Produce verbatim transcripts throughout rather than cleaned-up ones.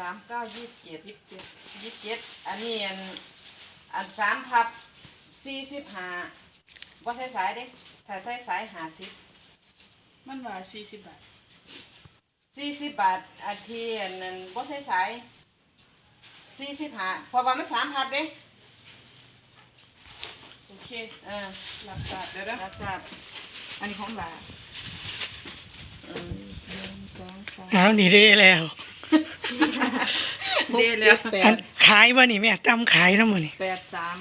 ามเก้ายี่สิบเจ็ดยี่สิบเจ็ดยี่สิบเจ็ดอันนี้อันอันสามพับสี่สิบห้าบ่ใส่สายเด้ถ้าใส่สายห้าสิบมันว่าสี่สิบบาทสี่สิบบาทอันที่อันนั้นบ่ใส่สายสี่สิบห้าเพราะว่ามันสามพับเด้โอเคเออรับทราบเดี๋ยวนะรับทราบอันนี้ของหลาอืมหนึ่งสองสามอ้าวนี่เด้แล้วเด้แล้วแปอันดขายบ่นี่แม่ตำขายนำบ่นี่แปดสาม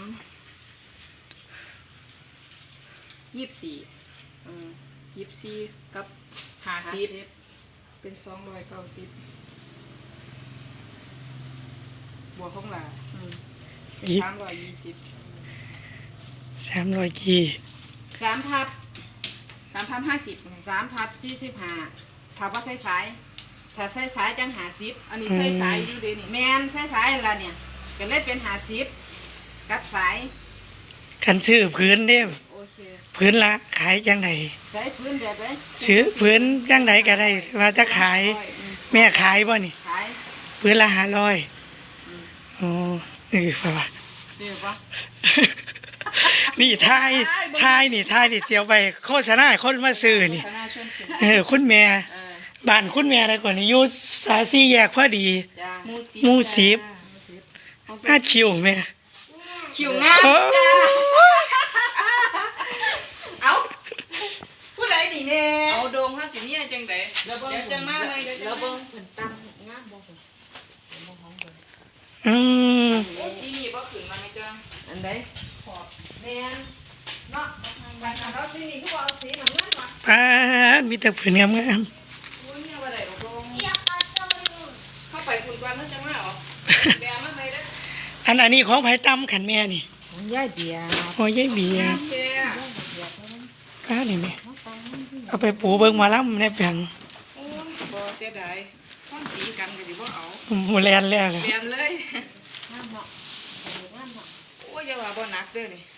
ยี่สิบสี่อืมยี่สิบสี่กับห้าสิบเป็นสองร้อยเก้าสิบบวกของหลาอืมเป็นสามร้อยยี่สิบสามร้อยกี่สามพับสามพันห้าสิบสามพับสี่สิบห้าถ้าว่าใส่สายถ้าใส่สายจังห้าสิบอันนี้ใส่สายอยู่เด้นี่แมนใส่สายละเนี่ยก็เลยเป็นห้าสิบกับสายคันซื้อพื้นเด้โอเคพื้นละขายจังไดใส่พื้นแบบไหนซื้อพื้นจังไดก็ได้ว่าจะขายร้อยอืมแม่ขายบ่นี่ขายพื้นละห้าร้อยอืมอ๋อเออป่ะวะซื้อปะนี่ทายทายนี่ทายนี่เสียวไปโฆษณาให้คนมาซื้อนี่คณะชวนเขียนเออคุณแม่เออบ้านคุณแม่อะไรก่อนนี่อยู่สาสี่แยกพอดีจ้าหมูสิบหมู่สิบจ้าอาคิวแม่คิวงามโอ้จ้าเอาผู้ใดนี่แน่เอาโดมห้าสิบเนี่ยจังไดแล้วเบิ่งเดี๋ยวจังมาเลยเดี๋ยวจัแล้วงเบิ่มางเพิ่นตั้งงามบ่เพิ่นเบิ่งของเพิ่นอืมโอ้สีนี่บ่ขึ้นมาไหมจ้าอันใดขอบแม่นเนาะบ้านเราสีนี่คือว่าเอาสีน้ำเงินวะป้าดมีแต่ผืนงามโอ้ยเนี่ยว่าได้ดอกโดมเข้าไปคุณกวนมันจังมาเหรอแบมาไหมเด้อๆอันอันนี้ของไผตำขันแม่นี่ของยายเบียร์โอ้ยยายเบียร์โอเคป้านี่แม่เอาไปปูเบิ่งหมาล้ำในแผงโอ้ยบ่เสียดายข้อนสีกันก็สิบ่เอาหมูแลนแล้วเลยเปลี่ยนเลยงามเนาะงามเนาะโอ้ยอย่าว่าบ่หนักเด้อนี่